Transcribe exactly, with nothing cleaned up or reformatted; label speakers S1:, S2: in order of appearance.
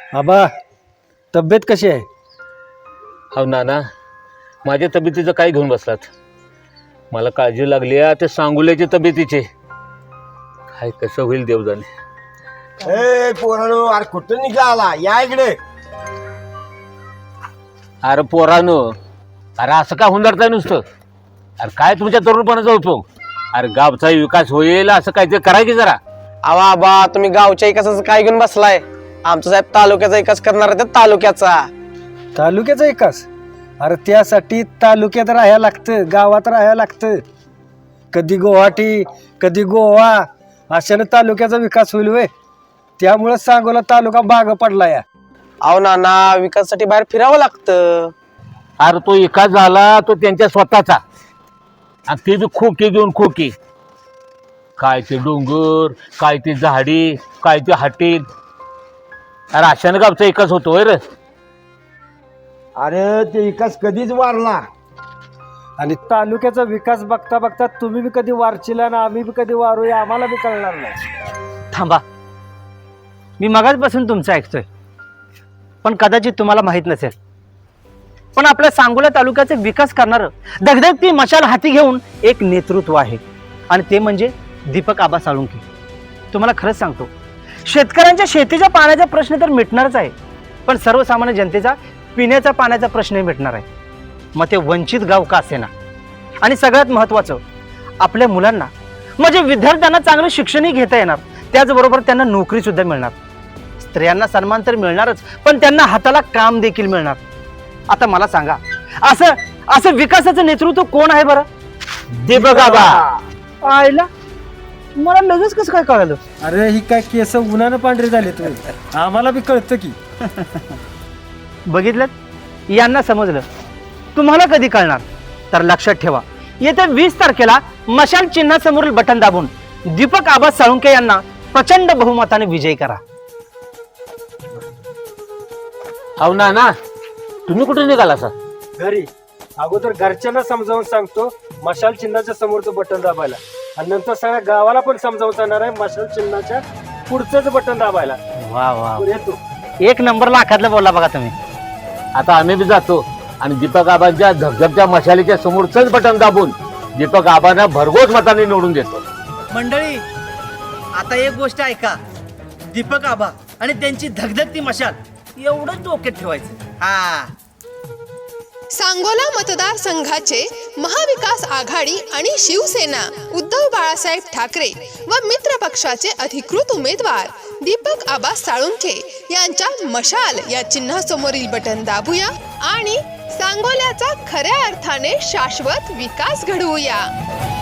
S1: आबा तब्येत कशी आहे?
S2: अहो नाना, माझ्या तब्येतीचं काय घेऊन बसलात? मला काळजी लागली आहे ते सांगुल्याच्या तब्येतीचे. काय कसं होईल देव जाणे.
S3: ए पोरानो, अरे कुठं निघाला? या इकडे.
S2: अरे पोरानो, अरे असं काय हुंदरताय नुसतं? अरे काय तुमच्या तरुणपणाचा उपयोग? अरे गावचा विकास होईल असं काय ते करा की जरा.
S4: आवा बा, तुम्ही गावच्या विकासाचं काय घेऊन बसलाय? आमचा साहेब तालुक्याचा विकास करणार आहे, तालुक्याचा.
S1: तालुक्याचा विकास? अरे त्यासाठी तालुक्यात राहायला लागतं, गावात राहायला लागतं. कधी गुवाहाटी कधी गोवा, अशानं तालुक्याचा विकास होईल वे. त्यामुळे सांगोला तालुका बाग पडला या.
S4: अहो नाना, विकासासाठी बाहेर फिरावं लागतं.
S2: अरे तो विकास झाला तो त्यांच्या स्वतःचा, आणि ते बी खोकी घेऊन खोकी. काय ते डोंगर, काय ते झाडी, काय ते हाटील. अरे अशानं गावचा विकास होतो रे.
S3: अरे ते विकास कधीच वारला.
S1: आणि तालुक्याचा विकास बघता बघता तुम्ही बी कधी वारचिला ना आम्ही बी कधी वारूया, आम्हाला बी कळणार नाही.
S5: थांबा, मी मगाचपासून तुमचं ऐकतोय, पण कदाचित तुम्हाला माहीत नसेल, पण आपल्या सांगोला तालुक्याचा विकास करणारं धगधगती मशाल हाती घेऊन एक नेतृत्व आहे, आणि ते म्हणजे दीपक आबा साळुंखे. तुम्हाला खरंच सांगतो, शेतकऱ्यांच्या शेतीच्या पाण्याचा प्रश्न तर मिटणारच आहे, पण सर्वसामान्य जनतेचा पिण्याच्या पाण्याचा प्रश्नही मिटणार आहे. मग ते वंचित गाव का असेना. आणि सगळ्यात महत्त्वाचं, आपल्या मुलांना म्हणजे विद्यार्थ्यांना चांगलं शिक्षणही घेता येणार, त्याचबरोबर त्यांना नोकरी सुद्धा मिळणार. स्त्रियांना सन्मान तर मिळणारच, पण त्यांना हाताला काम देखील मिळणार. आता मला सांगा, असं असं विकासाचं नेतृत्व कोण आहे बरं?
S2: दीपक आबा.
S5: आईला मला लगेच कसं काय कळालं?
S1: अरे ही काय केस उन्हानं पांढरे झाले तुम्ही, आम्हाला बी कळतं की.
S5: बघितलं, यांना समजलं, तुम्हाला कधी कळणार? तर लक्षात ठेवा, येत्या वीस तारखेला मशाल चिन्हासमोरील बटन दाबून दीपक आबा साळुंखे यांना प्रचंड बहुमताने विजयी करा.
S2: अहो नाना, तुम्ही कुठे निघाला असा?
S1: घरी अगोदर घरच्यांना समजावून सांगतो मशाल चिन्हाच्या समोरचं बटन दाबायला, आणि नंतर सगळ्या गावाला पण समजावून सांगणार आहे मशाल चिन्हाच्या पुढचंच बटन दाबायला.
S5: वा वा,
S1: येतो.
S5: एक नंबर लाखातलं बोलला बघा तुम्ही.
S2: आता आम्ही बी जातो आणि दीपक आबांच्या धबधबच्या मशालीच्या समोरच बटन दाबून दीपक आबांना भरघोस मताने निवडून देतो.
S6: मंडळी, आता एक गोष्ट ऐका, दीपक आबा आणि त्यांची धगधगती मशाल एवढंच डोक्यात ठेवायचं. हा,
S7: सांगोला मतदारसंघाचे महाविकास आघाडी आणि शिवसेना उद्धव बाळासाहेब ठाकरे व मित्र पक्षाचे अधिकृत उमेदवार दीपक आबा साळुंखे यांच्या मशाल या चिन्हासमोरील बटन दाबूया आणि सांगोल्याचा खऱ्या अर्थाने शाश्वत विकास घडवूया.